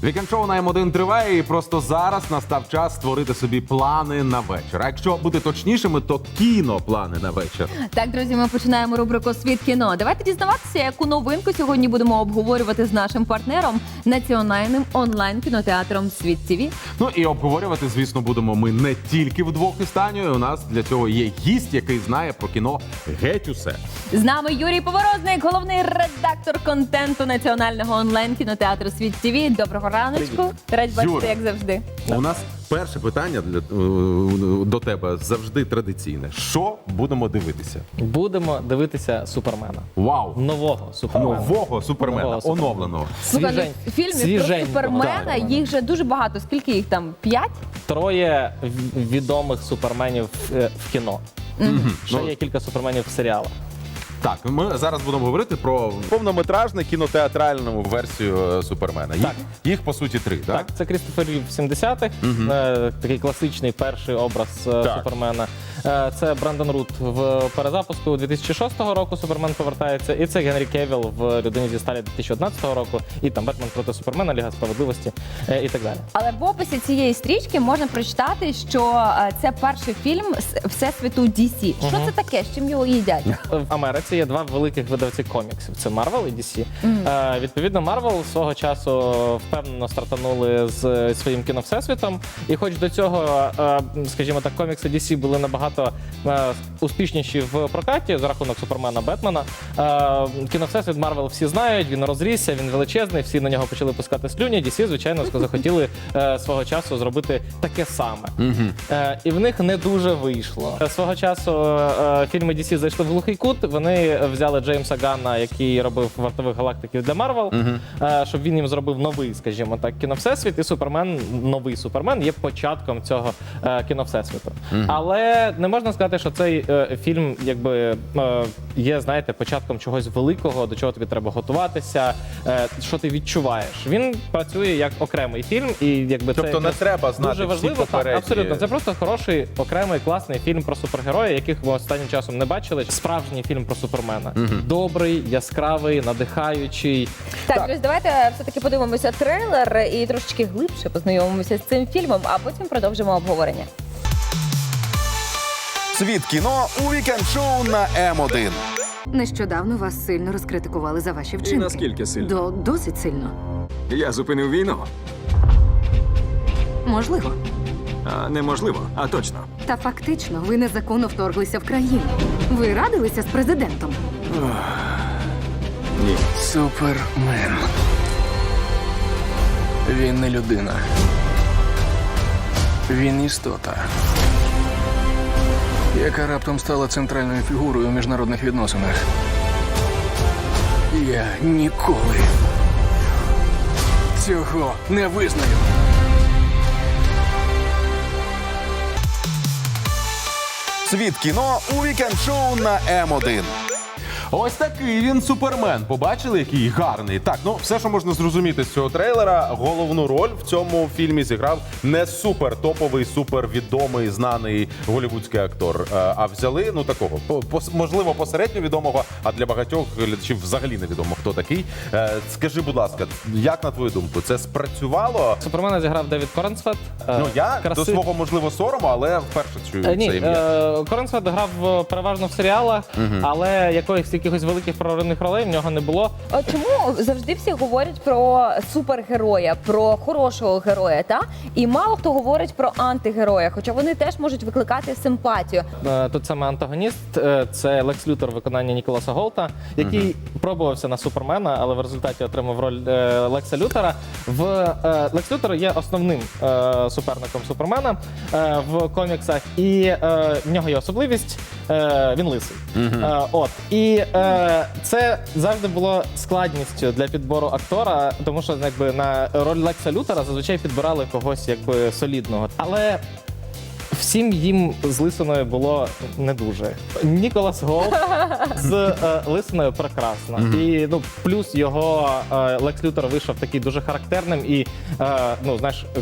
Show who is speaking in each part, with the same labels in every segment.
Speaker 1: Вікенд-шоу на М1 триває, і просто зараз настав час створити собі плани на вечір. А якщо бути точнішими, то кіноплани на вечір.
Speaker 2: Так, друзі, ми починаємо рубрику «Світ кіно». Давайте дізнаватися, яку новинку сьогодні будемо обговорювати з нашим партнером, національним онлайн-кінотеатром «Світ ТВ».
Speaker 1: Ну і обговорювати, звісно, будемо ми не тільки вдвох із Танею. У нас для цього є гість, який знає про кіно геть усе.
Speaker 2: З нами Юрій Поворозник, головний редактор контенту національного онлайн-кінотеатру «Світ ТВ». Доброго раночку. Раді бачити,
Speaker 1: Юра,
Speaker 2: як завжди.
Speaker 1: У нас перше питання до тебе завжди традиційне. Що будемо дивитися?
Speaker 3: Будемо дивитися Супермена.
Speaker 1: Вау!
Speaker 3: Нового Супермена.
Speaker 1: Нового Супермена,
Speaker 3: Нового Супермена.
Speaker 1: оновленого.
Speaker 2: Слухай, ну, фільмів про Супермена,
Speaker 3: так.
Speaker 2: їх же дуже багато. Скільки їх там? 5?
Speaker 3: Троє відомих суперменів в кіно. Ще
Speaker 1: Ну,
Speaker 3: є кілька суперменів в серіалах.
Speaker 1: Так, ми зараз будемо говорити про повнометражну кінотеатральну версію Супермена. Їх по суті 3, так?
Speaker 3: Так, це Крістофер Рів в 70-х, такий класичний перший образ Супермена. Це Брендон Рут в перезапуску 2006 року Супермен повертається. І це Генрі Кевіл в «Людині зі сталі» 2011 року. І там Бетмен проти Супермена, Ліга справедливості і так далі.
Speaker 2: Але в описі цієї стрічки можна прочитати, що це перший фільм з всесвіту DC. Що це таке? З чим його їдять?
Speaker 3: В Америці є два великих видавці коміксів: це Marvel і DC. Відповідно, Marvel свого часу впевнено стартанули з своїм кіновсесвітом. І хоч до цього, скажімо так, комікси DC були набагато успішніші в прокаті за рахунок Супермена, Бетмена, кіновсесвіт Marvel всі знають, він розрісся, він величезний, всі на нього почали пускати слюні. DC, звичайно, захотіли свого часу зробити таке саме. І в них не дуже вийшло. Свого часу фільми DC зайшли в глухий кут, вони взяли Джеймса Ганна, який робив «Вартових галактиків» для Marvel, щоб він їм зробив новий, скажімо так, кіновсесвіт, і Супермен, новий Супермен є початком цього кіновсесвіту. Але не можна сказати, що цей фільм якби є, знаєте, початком чогось великого, до чого тобі треба готуватися, що ти відчуваєш. Він працює як окремий фільм, і якби
Speaker 1: Тобто не треба знати
Speaker 3: дуже
Speaker 1: всі
Speaker 3: важливо. Так,
Speaker 1: попередні.
Speaker 3: абсолютно. Це просто хороший, окремий, класний фільм про супергероя, яких ми останнім часом не бачили. Справжній фільм про Супермена. Добрий, яскравий, надихаючий.
Speaker 2: Так, друзі, давайте все-таки подивимося трейлер і трошечки глибше познайомимося з цим фільмом, а потім продовжимо обговорення.
Speaker 4: Світ кіно у вікенд-шоу на М1.
Speaker 5: Нещодавно вас сильно розкритикували за ваші вчинки.
Speaker 6: І наскільки сильно?
Speaker 5: Досить сильно.
Speaker 6: Я зупинив війну.
Speaker 5: Можливо.
Speaker 6: А неможливо, а точно.
Speaker 5: Та фактично ви незаконно вторглися в країну. Ви радилися з президентом.
Speaker 6: Ні.
Speaker 7: Супермен. Він не людина. Він істота, яка раптом стала центральною фігурою у міжнародних відносинах. Я ніколи цього не визнаю.
Speaker 4: Світ кіно у вікенд-шоу на М1.
Speaker 1: Ось такий він Супермен. Побачили, який гарний. Так, ну все, що можна зрозуміти з цього трейлера, головну роль в цьому фільмі зіграв не супер топовий, супер відомий, знаний голівудський актор. А взяли, ну такого, можливо, посередньо відомого, а для багатьох глядачів взагалі невідомо, хто такий. Скажи, будь ласка, як на твою думку, це спрацювало?
Speaker 3: Супермена зіграв Девід Корнсвет.
Speaker 1: Ну я до свого, можливо, сорому, але вперше чую це
Speaker 3: Ні,
Speaker 1: ім'я.
Speaker 3: Корнсвет грав переважно в серіалах, але якихось великих проривних ролей в нього не було.
Speaker 2: От чому завжди всі говорять про супергероя, про хорошого героя, та? І мало хто говорить про антигероя, хоча вони теж можуть викликати симпатію.
Speaker 3: Тут саме антагоніст – це Лекс Лютер в виконанні Ніколаса Голта, який пробувався на Супермена, але в результаті отримав роль Лекса Лютера. Лекс Лютер є основним суперником Супермена в коміксах, і в нього є особливість – він лисий. І це завжди було складністю для підбору актора, тому що якби на роль Лекса Лютера зазвичай підбирали когось якби солідного. Але всім їм з лисиною було не дуже. Ніколас Голт з лисиною прекрасно. І ну плюс його Лекс Лютер вийшов такий дуже характерним і ну знаєш,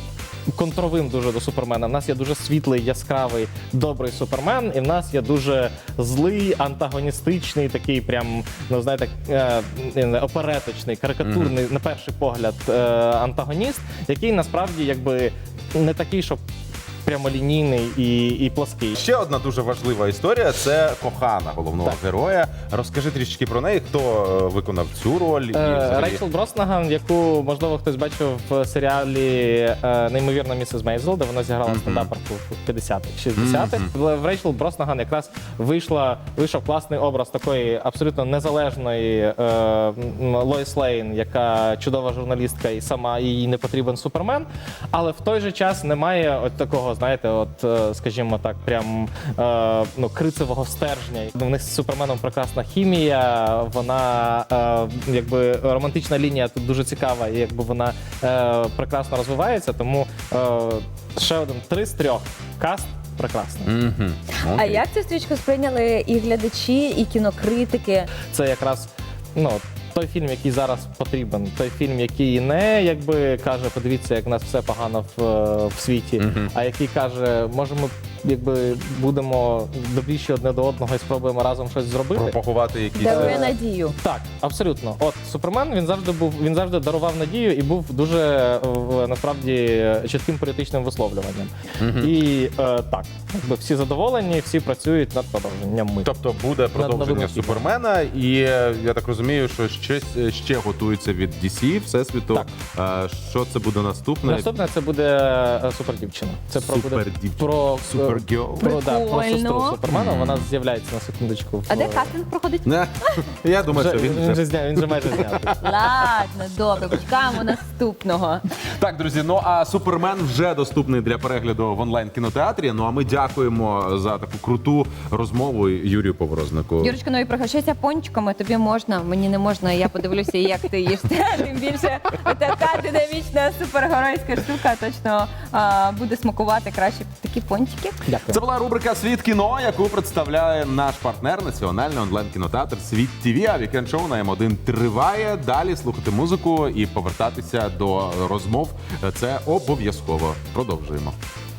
Speaker 3: контровим дуже до Супермена. В нас є дуже світлий, яскравий, добрий Супермен, і в нас є дуже злий, антагоністичний, такий прям, ну знаєте, опереточний, карикатурний, на перший погляд, антагоніст, який насправді якби не такий, щоб прямолінійний і плоский.
Speaker 1: Ще одна дуже важлива історія – це кохана головного героя. Розкажи трішечки про неї, хто виконав цю роль. І взагалі...
Speaker 3: Рейчел Броснаган, яку, можливо, хтось бачив в серіалі «Неймовірна місіс Мейзел», де вона зіграла стендаперку в 50-х, 60-х. В Рейчел Броснаган якраз вийшов класний образ такої абсолютно незалежної Лоїс Лейн, яка чудова журналістка і сама їй не потрібен Супермен, але в той же час немає от такого, знаєте, от, скажімо так, прям крицевого стержня. У них з Суперменом прекрасна хімія, вона, якби, романтична лінія тут дуже цікава, і якби вона прекрасно розвивається, тому ще один 3 з 3. Каст прекрасний.
Speaker 2: А як цю стрічку сприйняли і глядачі, і кінокритики?
Speaker 3: Це якраз, той фільм, який зараз потрібен, той фільм, який не якби каже, подивіться, як в нас все погано в світі, а який каже, може ми якби будемо добріші одне до одного і спробуємо разом щось зробити.
Speaker 1: Пропагувати якісь...
Speaker 2: Дарує надію.
Speaker 3: Так, абсолютно. От Супермен, він завжди дарував надію і був дуже насправді чітким політичним висловлюванням. І так, якби всі задоволені, всі працюють над продовженням.
Speaker 1: Тобто буде продовження
Speaker 3: новими
Speaker 1: Супермена, і я так розумію, що ще готується від DC Всесвіту. Що це буде наступне?
Speaker 3: Наступне це буде Супердівчина. Це про
Speaker 1: Супергерл.
Speaker 3: про сестру Супермена. Вона з'являється на секундочку.
Speaker 2: А де кастинг проходить?
Speaker 1: Я думаю, що
Speaker 3: Він же майже знятий.
Speaker 2: Ладно, добре, почекаємо наступного.
Speaker 1: Так, друзі, ну а Супермен вже доступний для перегляду в онлайн-кінотеатрі. Ну а ми дякуємо за таку круту розмову Юрію Поворознику.
Speaker 2: Юрочка, ну і пригощайся пончиками, тобі можна, мені не можна, я подивлюся, як ти їш. Тим більше така динамічна супергеройська штука точно буде смакувати краще такі пончики.
Speaker 3: Дякую.
Speaker 1: Це була рубрика «Світ кіно», яку представляє наш партнер, національний онлайн-кінотеатр «Світ ТВ». А вікенд-шоу на М1 триває. Далі слухати музику і повертатися до розмов – це обов'язково. Продовжуємо.